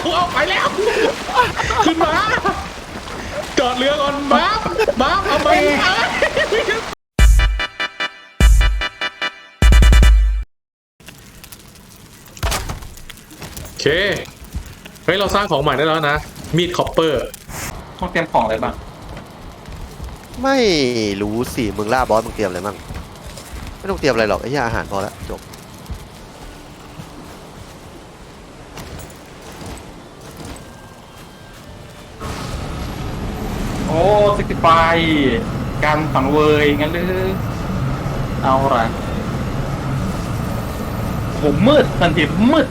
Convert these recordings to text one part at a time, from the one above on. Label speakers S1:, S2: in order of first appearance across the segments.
S1: เอาไปแล้วขึ้นมาจอดเรือก่อนบ้าเอาไปโอเคเฮ้ยเราสร้างของใหม่ได้แล้วนะมีดคอปเปอร์
S2: ต้องเตรียมของอะไรบ้าง
S3: ไม่รู้สิมึงล่าบอสมึงเตรียมอะไรมั่งไม่ต้องเตรียมอะไรหรอกไอ้เหี้ยอาหารพอแล้วจบ
S2: โอ้สกิปายการฝังเวยงั้นหรือเอาละผมมืดทันทีมืด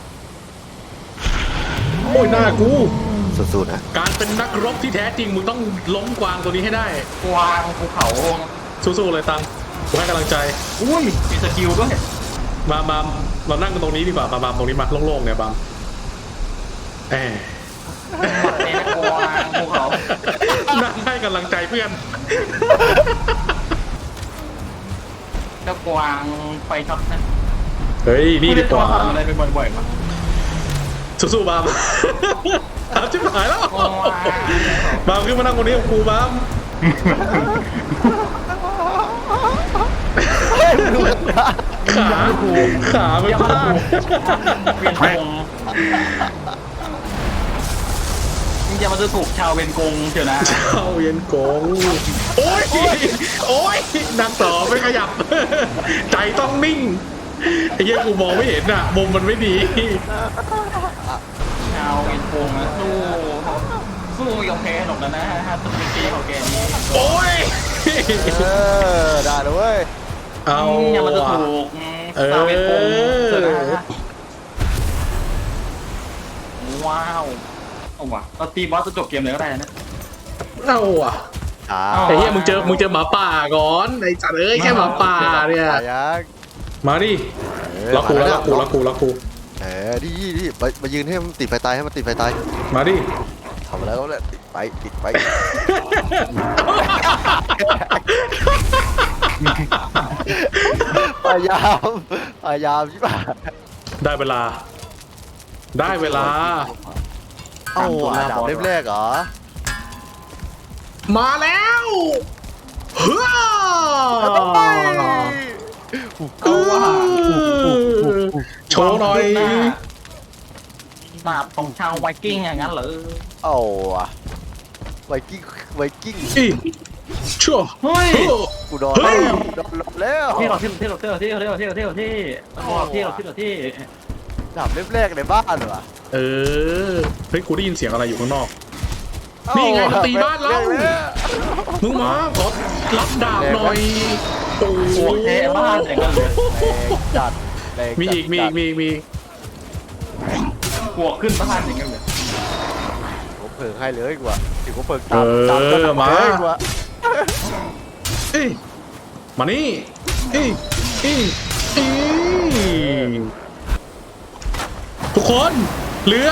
S1: โอ้ยหน้ากู
S3: สู้ๆนะ
S1: การเป็นนักรบที่แท้จริงมึงต้องล้มกวางตัวนี้ให้ได้
S2: กวางภูเขา
S1: สู้ๆเลยตังกูให้กำลังใจ
S2: อุ้ยมีสกิลด้วย
S1: มาเรานั่งกันตรงนี้ดีกว่ามาตรงนี้มาโล่งๆเนี่ยบาม
S2: ในนักกวางภูเขา
S1: นั่งให้กำลังใจเพื่อน
S2: นักกวางไฟช็อตนะ
S1: เฮ้ยนี่ดีกว่า
S2: อะไรไปบ่อยๆมั้ง
S1: สู้ๆบามชิบหายแล้วบามขึ้นมานั่งตรงนี้กับกูบามขาไม่พลาด
S2: เวียนกงมึงจะมาดูถูกชาวเวียนกงเชียวนะ
S1: ชาวเวียนกงโอ้ยนั่งต่อไม่ขยับใจต้องนิ่งไอ้เหี้ยกูมองไม่เห็นอ่ะมุมมันไม่ดี
S2: ชาวเวียนกงนะสู้ยอมแพ้หรอกนะฮะตุ้มตีของแกนี้
S1: โอ้ย
S3: ได้เลยเว้ย
S1: เอา
S2: อย่ามาดูถูกชาวเวียนกงเชียวนะว้าวเอาว่ะเราตีบอสจะจบเกมเลยก็ได้นะ
S1: เอาว่ะไอ้เหี้ยมึงเจอหมาป่าก่อนไอ้จัดเอ้ยแค่หมาป่าเนี่ยมาดิล็อกกู
S3: ดิมายืนให้มันติดไฟตายให้มันติดไฟตาย
S1: มาดิ
S3: ทำแล้วแหละติดไฟพยายามใช่ป่ะ
S1: ได้เวลา
S3: เอาดาบเล่มแรกเหรอ
S1: มาแล้วเฮ้อโชว์หน่อย
S2: ดาบของชาวไวกิ้งอย่างนั้นเหรอ
S3: เอาไวกิ้ง
S1: ชั่ว
S2: เฮ้ย
S3: กูโดนแล้ว
S2: ที่
S3: ดาบเล่มแรกในบ้านเหรอ
S1: เฮ้ยกูได้ยินเสียงอะไรอยู่ข้างนอกนี่ไงมันตีบ้านเรามึงมาขอรับดาบหน่อย
S2: โอ้โหเทบ้านอย่างนั้นเลย
S3: จัด
S1: มีอีก
S2: บวกขึ้นบ้านอย่างนั้นเลย
S3: ผมเพิ่งให้เลยกว่าถึงผมเพิ่งตาม
S1: มามานี่ทุกคนเรือ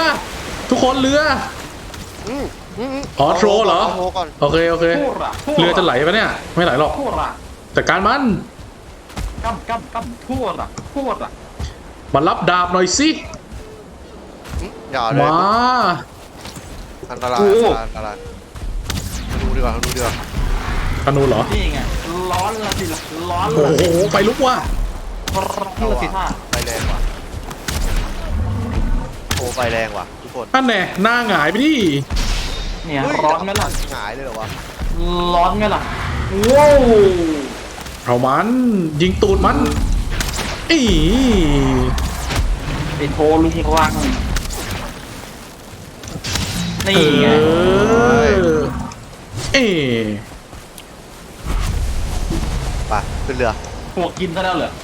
S1: อ๋อโทรเหรอโอเคเรือจะไหลปะเนี่ยไม่ไหลหรอกแต่การมัน
S2: ทั่วละ
S1: มารับดาบหน่อยสิมา
S3: อันตรายดูดีกว่า
S1: ธนูเหรอ
S2: นี่ไงร้อนละสิร้อน
S1: โอ้โหไฟลุกว่ะ
S3: ไฟแรงว่ะโอ้ไฟแรงว่ะทุกคน
S1: นั่นแน่หน้าหงายไปดิ
S2: เนี่ยร้อนไหมล่ะ
S3: หงายเลยเหรอวะ
S2: ร้อนไหมล่ะว้าว
S1: เอามันยิงตูดมัน
S2: ไปโทรลุงกวางนี่ไง
S3: ไปขึ้นเรือ
S2: พวกกินซะแล้วเหรอ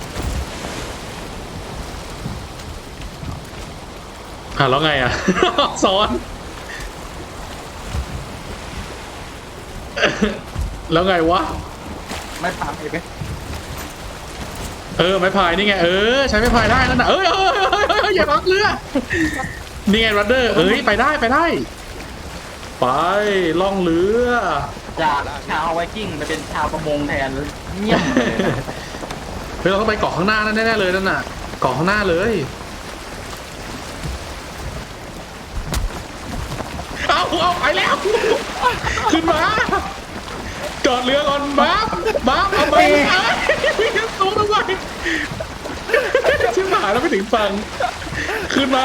S1: แล้วไงซ้อนแล้วไงวะ
S2: ไม่ผ่านไป
S1: ไม้พายนี่ไงใช้ไม้พายได้นั่นน่ะอย่าล็อกเรือนี่ไงรัดเดอร์ไปได้ไปล่องเรือ
S2: จากชาวไวกิ้งไปเป็นชาวประมงแทนเงียบ
S1: เราต้องไปเกาะข้างหน้านั่นแน่เลยนั่นน่ะเกาะข้างหน้าเลยเอาไปแล้วขึ้นมาจอดเรือก่อนบ้าเอาไปวิ่งสูงลงไปชิบหายแล้วไม่ถึงฝั่งขึ้นมา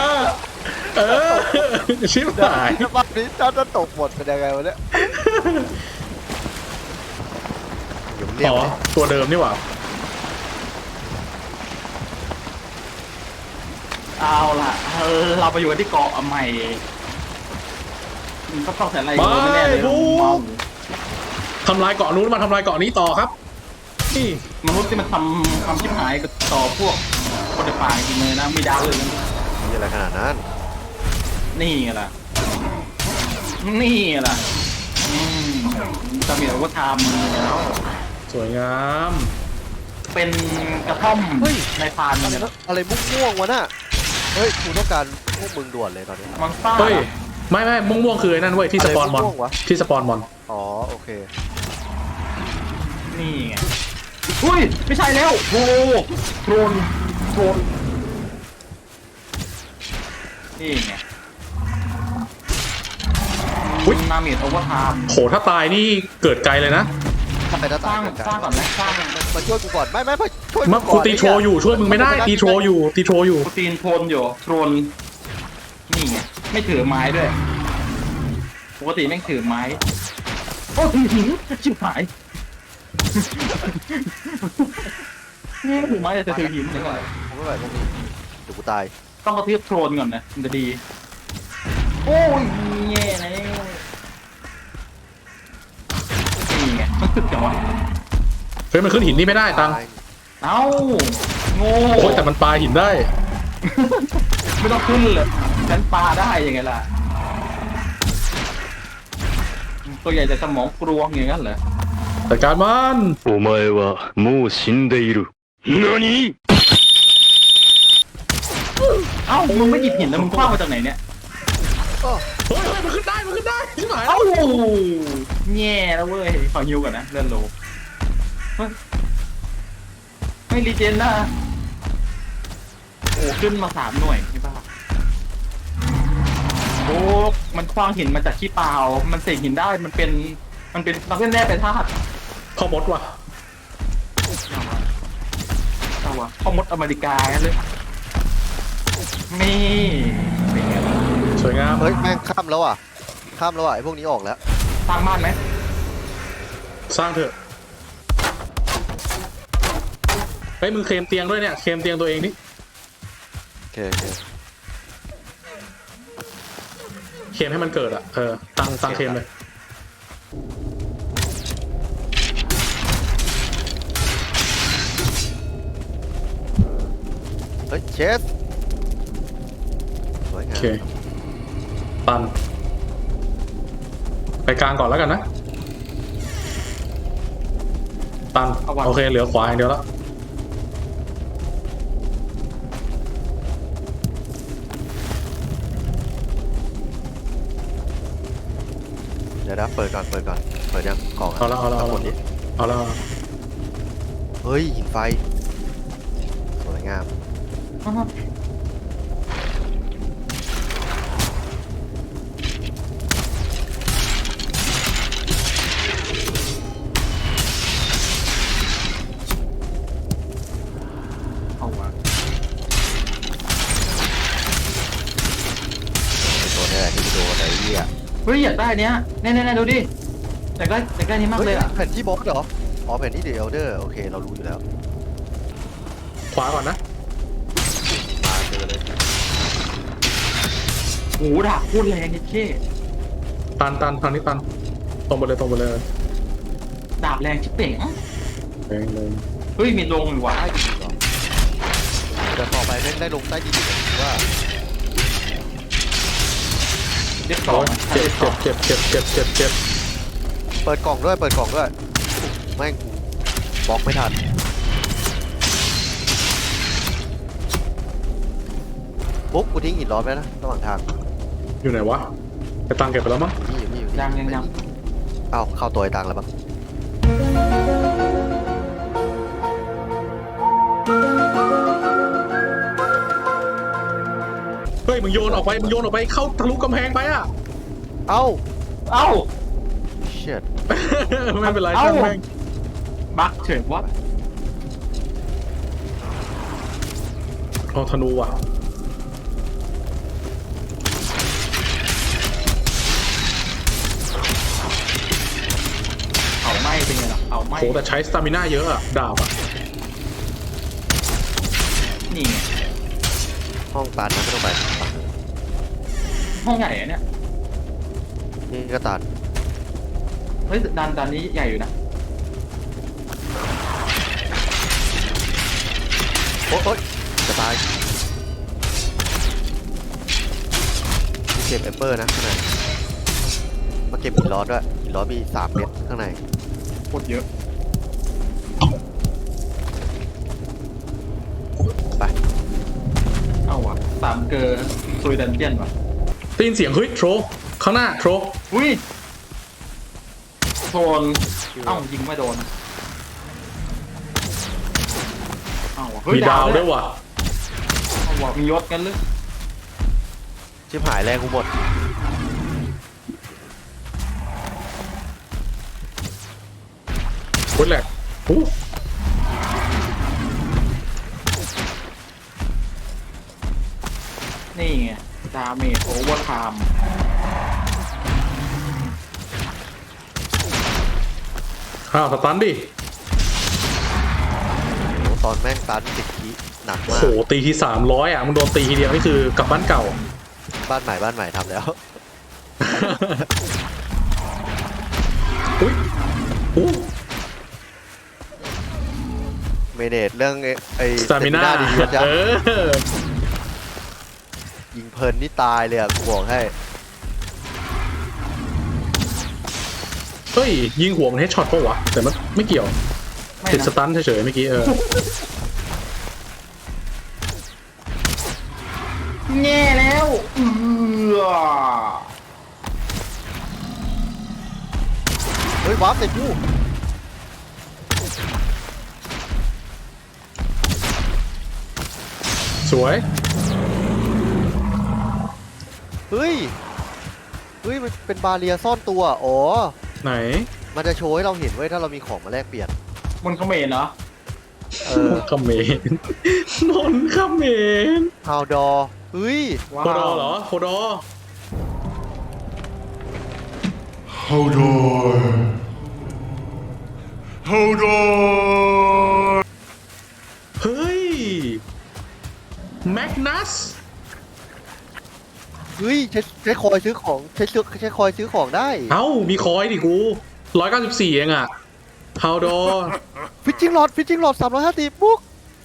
S1: ชิบหาย
S3: รอบนี้ถ้าตกหมดเป็นยังไงวะเนี่ยเดี๋ยวเนี่ย
S1: ตัวเดิมนี่หว่า
S2: เอาล่ะเราไปอยู่กันที่เกาะใหม่ก็ต้องแต่อะไรไม่แน่เลย
S1: ทำลายเกาะนู้นมาทำลายเกาะนี้ต่อครับนี่
S2: มนุษย์ที่มันทำความชิบหายกับต่อพวกคนในป่าจริงเลยนะไม่ได้เลย
S3: มีอะไรขนาดนั้น
S2: นี่ไงล่ะนี่ไงล่ะจะมีอาวุธทำแล้ว
S1: สวยงาม
S2: เป็นกระท่อมในพานเนี่ย
S3: อะไรม่วงๆวะน่ะเฮ้ยกูต้องการพวกมึงด่วนเลยตอนนี้
S2: มังซ่า
S1: เฮ้ยไม่ม่วงๆคือไอ้นั่นเว้ยที่สปอนมอน
S3: อะไรม่วงๆวะ
S1: ที่สปอนมอน
S3: อ๋อโอเค
S2: นี่ไงอุ้ยไม่ใช่แล้วโโดรนนี่ไงนาเมดโอเวอร์ไทม์
S1: โหถ้าตายนี่เกิดไกลเลยนะ
S3: ทำไมต้อง
S2: สร้างก่อนไหมสร้าง
S3: มาช่วยกูก่อนไม่ช่วย
S1: มากูตีโชว์อยู่ช่วยมึงไม่ได้ตีโชว์อยู่
S2: โปรตีนโทนอยู่โทนนี่ไงไม่ถือไม้ด้วยปกติแม่งถือไม้โอ้ถือหินชิบหายนี่ถือไม้แต่ถือหินยังไง
S3: ผมไม่ไหวพวกนี้เดี๋ยวกูตาย
S2: ต้องกระทืบโทนก่อนนะมันจะดีโอ้ยแย่นะนี่ไงมันตึกจังวะ
S1: เฮ้ยมันขึ้นหินนี่ไม่ได้ตัง
S2: เอ้าโง่
S1: โอ้ยแต่มันปลาหินได้
S2: ไม่ต้องขึ้นเลยฉันปลาได้ยังไงล่ะตัวใหญ่แต่สมองกรวงอย่างนั้นเหรอ
S1: แต่การมัน
S4: お前はもう死んでいる。何？
S2: เอ้ามึงไม่หยิบหินแล้วมึงคว้างมาจากไหนเนี่ย
S1: เฮ้ยมันขึ้นได้ใช่ไหม
S2: เอ้าแย่แล้วเว้ยขอฮิวก่อนนะเลื่อนโลเฮ้ยไม่รีเจนนะโอ้ขึ้นมา3 หน่วยนี่บ้าโอ้มันคว้างหินมาจากขี้เปล่ามันเสกหินได้มันเป็นนักเล่นแร่เป็นธาตุ
S1: พ่อมดว่ะ
S2: เอาวะพ่อมดอเมริกาเลยนี่เป็นไงล่ะ
S1: สวยงาม
S3: เฮ้ยแม่งข้ามแล้วอ่ะไอ้พวกนี้ออกแล้ว
S2: สร้างบ้านไหม
S1: สร้างเถอะเฮ้ยมึงเคลมเตียงด้วยเนี่ยเคลมเตียงตัวเองนี่
S3: โอเค
S1: เคลมให้มันเกิดอ่ะตั้งเคลมเลย
S3: เฮ้ยเชสสวยงา
S1: โอ
S3: ม
S1: เคตันไปกลางก่อนแล้วกันนะตันโอเคเหลือขวาอย่างเดียวแล้ว
S3: เดี๋ยวนะเปิดก่อนเปิดยังกล่อง
S1: เอาแล้ว
S3: หมดนี้
S1: เอาแล้ว
S3: เฮ้ยหินไฟสวยงาม
S2: เอาวะ
S3: ตัวนี้แหละที่โดนไอ้เหี้ย
S2: เฮ้ยอยากได้เนี้ยแน่ๆดูดิอยากได้นี้มากเลยอ่ะ
S3: แผ่นที่บล็อกเหรออ๋อแผ่นที่เดลเดอร์โอเคเรารู้อยู่แล้ว
S1: ขวาก่อนนะ
S3: มาเจอเลย
S2: โหดาบโคตรแรงนี่เช่
S1: ตันทางนี้ตันตรงไปเลย
S2: ดาบแรงชิบเป่ง
S1: แรงเลย
S2: เฮ้ยมีลงอยู่วะ
S3: ใต้ดินเหรอแต่ต่อไปแม่งได้ลงใต้ดินอีกว่า
S2: เด็กสอง
S1: เจ็บ
S3: เปิดกล่องด้วยแม่งบล็อกไม่ทันบุ๊กกูทิ้งหินร้อนไปนะระหว่างทาง
S1: อยู่ไหนวะไปตังเก็บไปแล้วมั้ง
S3: นี่อยู่นี่อยู่นี่
S2: ยัง
S3: เอ้าเข้าตัวไอ้ตังแล้วบ้าง
S1: เฮ้ยมึงโยนออกไปเข้าทะลุกำแพงไปอ่ะ
S3: เอ้า
S2: เอ้า
S3: เชิด
S1: ไม่เป็นไร
S2: เอ้า
S1: ช่างแม่ง
S2: บักเฉยวัด
S1: เอาธนูว่ะ
S2: เผาไหม้เป็นไงล่ะเผาไหม้
S1: โหแต่ใช้สตามิน่าเยอะอะดาบอะ
S2: นี่ไง
S3: ห้องตันนะไม่ต้องไป
S2: ห้องใหญ่อะเนี่ย
S3: นี่ก็ตัน
S2: เฮ้ยดันนี้ใหญ่อยู่นะ
S3: โอ๊ยจะตายเก็บแอปเปิลนะข้างในมาเก็บหินร้อนด้วยหินร้อนมี3 เม็ดข้างใน
S2: โคตรเยอะ
S3: ไป
S2: เอ้าวะ3 เกอร์ซุยดันเจียนวะ
S1: ได้ยินเสียงเฮ้ยโทรข้างหน้าโทร
S2: อุ้ยโดนเอ้ายิงไม่โดนเอ้าวะเฮ้ย
S1: มีดาวด้วยว่ะ
S2: เอ้าวะมียศกันหรือ
S3: ชิบหายแรงกูหมด
S1: โคตรแหลกอู้
S2: นี่ไงดาเมจโอเวอร์ไทม์
S1: อ้าวสตันดิ
S3: โอ้ตอนแม่งตันติดทีหนัก
S1: โอ้
S3: มาก
S1: โหตีที300อ่ะมึงโดนตีทีเดียวนี่คือกลับบ้านเก่า
S3: บ้านใหม่ทำแล้ว
S1: อุ้ยอู้
S3: เมเนจเรื่องไอ้
S1: สตามิน่า
S3: ดีๆนะ
S1: เออ
S3: ยิงเพลินนี่ตายเลยอ่ะกูบอกให้
S1: เฮ้ยยิงหัวมันเฮดช็อตปะวะแต่มันไม่เกี่ยว
S2: ไม่
S1: ติดส
S2: นะ
S1: ตันเฉยๆเมื่อกี้
S2: แง่แล้ว
S3: เฮ้ยวาร์ปใส่กู
S1: สวย
S3: เฮ้ยมันเป็นบาเรียซ่อนตัวอ๋อ
S1: ไหน
S3: มันจะโชว์ให้เราเห็นไว้ยถ้าเรามีของมาแลกเปลี่ยน
S2: มันเขมรเหรอ
S3: เออ
S1: คอมเมนต์นนคอมเมนต์
S3: ฮาวดอเฮ้ย
S2: ว้า
S1: โคดอ
S2: ว
S1: เหรอโคดอ
S4: Hold on. Hold on.
S1: เฮ้ยแมกนัส
S3: เฮ้ยใช้คอยซื้อของใช้คอยซื้อของได้
S1: เอ้ามีคอยดิกู194เองอะฮาวดอ
S3: ฟิชชิ่งหลอด350บุ๊ก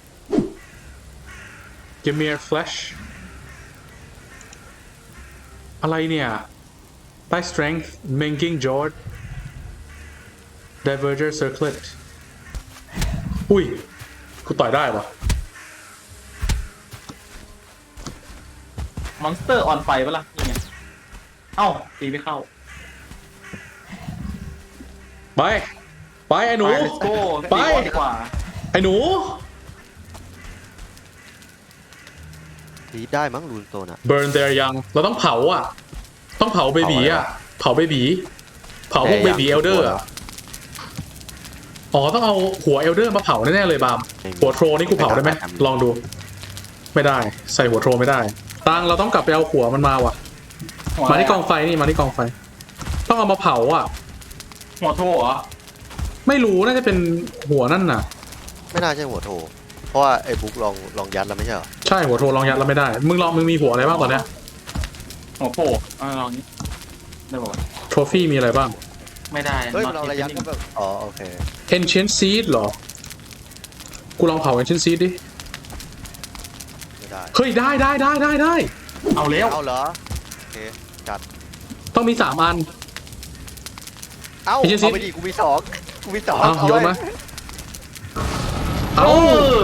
S1: Give me a flash อะไรเนี่ยใต้ strength making jord diverger circlet อุ้ยกูต่อยได้ปะ
S2: มอนสเตอร์ออนไฟปะล่ะนี่ไงเอ้าตีไม่เข้า
S1: ไปไอ้หนู
S2: ไป let's go
S1: ไป
S2: ตีบอสดีกว่า
S1: ไอ้หนู
S3: ดีได้มั้งรูนโซนอะ
S1: burn their young เราต้องเผาอ่ะ ต้องเผาเบบีอ่ะ เผาเบบีเผาพวกเบบีเอลเดอร์อ๋อต้องเอาหัวเอลเดอร์มาเผาแน่ๆเลยบามหัวโทรนี่กูเผาได้ไหมลองดู ไม่ได้ใส่หัวโทรไม่ได้ตังเราต้องกลับไปเอาหัวมันมาว่ะ
S2: หัว
S1: มาที่กองไฟนี่มาที่กองไฟ ต้องเอามาเผาอ่ะ
S2: หัวโทเหรอ
S1: ไม่รู้น่าจะเป็นหัวนั่นน่ะ
S3: ไม่น่าใช่หัวโถเพราะว่าไอ้บุ๊กลองยัดแล้วไม่ใช่เหรอ
S1: ใช่หัวโทรลองยัดแล้วไม่ได้มึงมีหัวอะไรบ้างตอนเนี้ย
S2: หัวโผล่ลองนี้ได้บอก
S1: โทรฟี่มีอะไรบ้าง
S2: ไม่ได้
S3: เฮ้ย
S2: not
S3: เราระยัด
S2: happening
S3: ก็แบบอ๋อโอเค
S1: ancient seed เหรอกูลองเผา ancient seed ดิ
S3: ไม่ได้
S1: เฮ้ยได้
S2: เอาแล้ว
S3: เอาเหรอโอเคจัด
S1: ต้องมี3 อัน
S3: เอา
S1: ไม่ใช่สิ
S3: เอาไปดิกูมี2
S1: เอาโยนมา เอา
S2: เออ